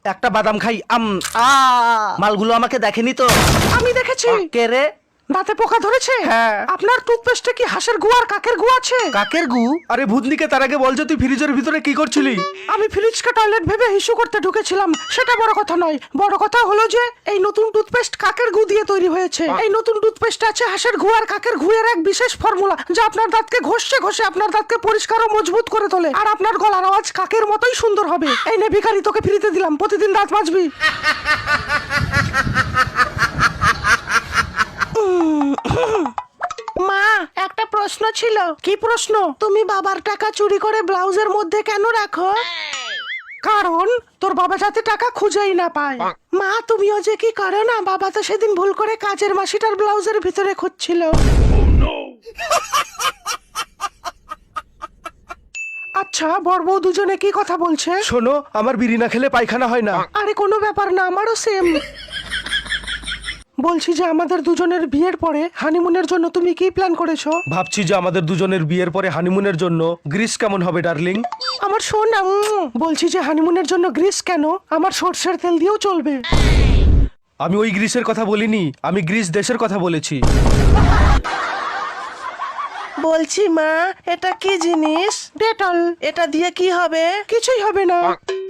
একটা বাদাম খাই। মালগুলো আমাকে দেখেনি তো? আমি দেখেছি। কে রে? দাঁতে পোকা ধরেছে? হ্যাঁ। আপনার টুথপেস্টে কি হাঁসের গু আর কাকের গু আছে? কাকের গু? আরে ভূতনিকে তার আগে বল যে তুই ফ্রিজের ভিতরে কি করছিলি? আমি ফ্রিজকে টয়লেট ভেবে হিসু করতে ঢুকেছিলাম, সেটা বড় কথা নয়। বড় কথা হলো যে এই নতুন টুথপেস্ট কাকের গু দিয়ে তৈরি হয়েছে। এই নতুন টুথপেস্ট আছে হাঁসের গু আর কাকের গুয়ের এক বিশেষ ফর্মুলা, যা আপনার দাঁতকে ঘষে ঘষে আপনার দাঁতকে পরিষ্কার ও মজবুত করে তোলে, আর আপনার গলার আওয়াজ কাকের মতোই সুন্দর হবে। এই নে ভিখারি, তোকে ফ্রিতে দিলাম, প্রতিদিন দাঁত মাজবি। মা, একটা প্রশ্ন ছিল। কি প্রশ্ন? তুমি বাবার টাকা চুরি করে ব্লাউজের মধ্যে কেন রাখো? কারণ তোর বাবা যাতে টাকা খুঁজেই না পায়। মা, তুমিও যে কি করো না, বাবা তো সেদিন ভুল করে কাজের মাসিটার ব্লাউজের ভিতরে খুঁজছিল। আচ্ছা, বর বউ দুজনে কি কথা বলছে? শোনো, আমার বিড়ি না খেলে পায়খানা হয় না। আরে কোনো ব্যাপার না, আমারও সেম। বলছি যে আমাদের দুজনের বিয়ের পরে হানিমুনের জন্য তুমি কি প্ল্যান করেছো? ভাবছি যে আমাদের দুজনের বিয়ের পরে হানিমুনের জন্য গ্রিস কেমন হবে ডার্লিং? আমার সোনা, বলছি যে হানিমুনের জন্য গ্রিস কেন, আমার সর্ষের তেল দিয়েও চলবে। আমি ওই গ্রিসের কথা বলিনি, আমি গ্রিস দেশের কথা বলেছি। বলছি মা, এটা কি জিনিস? ডেটল। এটা দিয়ে কি হবে? কিছুই হবে না।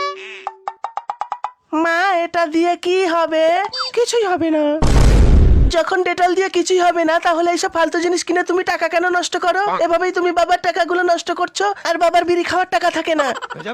মা, এটা দিয়ে কি হবে? কিছুই হবে না। যখন ডেটল দিয়ে কিছুই হবে না, তাহলে এইসব ফালতু জিনিস কিনে তুমি টাকা কেন নষ্ট করো? এভাবেই তুমি বাবার টাকাগুলো নষ্ট করছো, আর বাবার বিড়ি খাওয়ার টাকা থাকে না।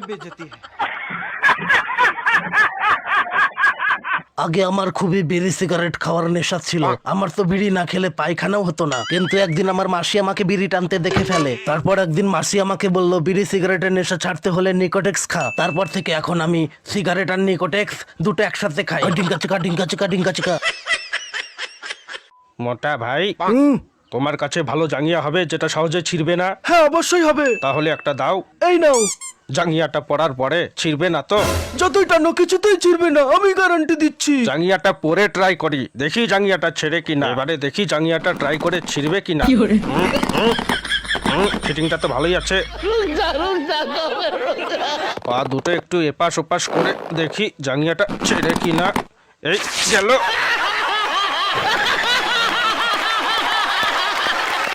আগে আমার খুবই বিড়ি সিগারেট খাওয়ার নেশা ছিল। আমার তো বিড়ি না খেলে পায়খানাও হতো না। কিন্তু একদিন আমার মাসি আমাকে বিড়ি টানতে দেখে ফেলে। তারপর একদিন মাসি আমাকে বলল, বিড়ি সিগারেটের নেশা ছাড়তে হলে নিকোটেক্স খা। তারপর থেকে এখন আমি সিগারেট আর নিকোটেক্স দুটো একসাথে খাই। ডিঙ্কা চিকা ডিঙ্কা চিকা ডিঙ্কা চিকা। মোটা ভাই, তোমার কাছে ভালো জাঙ্গিয়া হবে যেটা সহজে ছিঁড়বে না? হ্যাঁ, অবশ্যই হবে। তাহলে একটা দাও। এই নাও। জাঙ্গিয়াটা পরার পরে ছিঁড়বে না তো? যতই টানো কিছুতেই ছিড়বে না, আমি গ্যারান্টি দিচ্ছি। জাঙ্গিয়াটা পরে ট্রাই করি, দেখি জাঙ্গিয়াটা ছেড়ে কিনা। এবারে দেখি জাঙ্গিয়াটা ট্রাই করে ছিঁড়বে কিনা। ফিটিংটা তো ভালোই আছে। পা দুটো একটু এপাশ ওপাশ করে দেখি জাঙ্গিয়াটা ছেড়ে কিনা। এই গেল।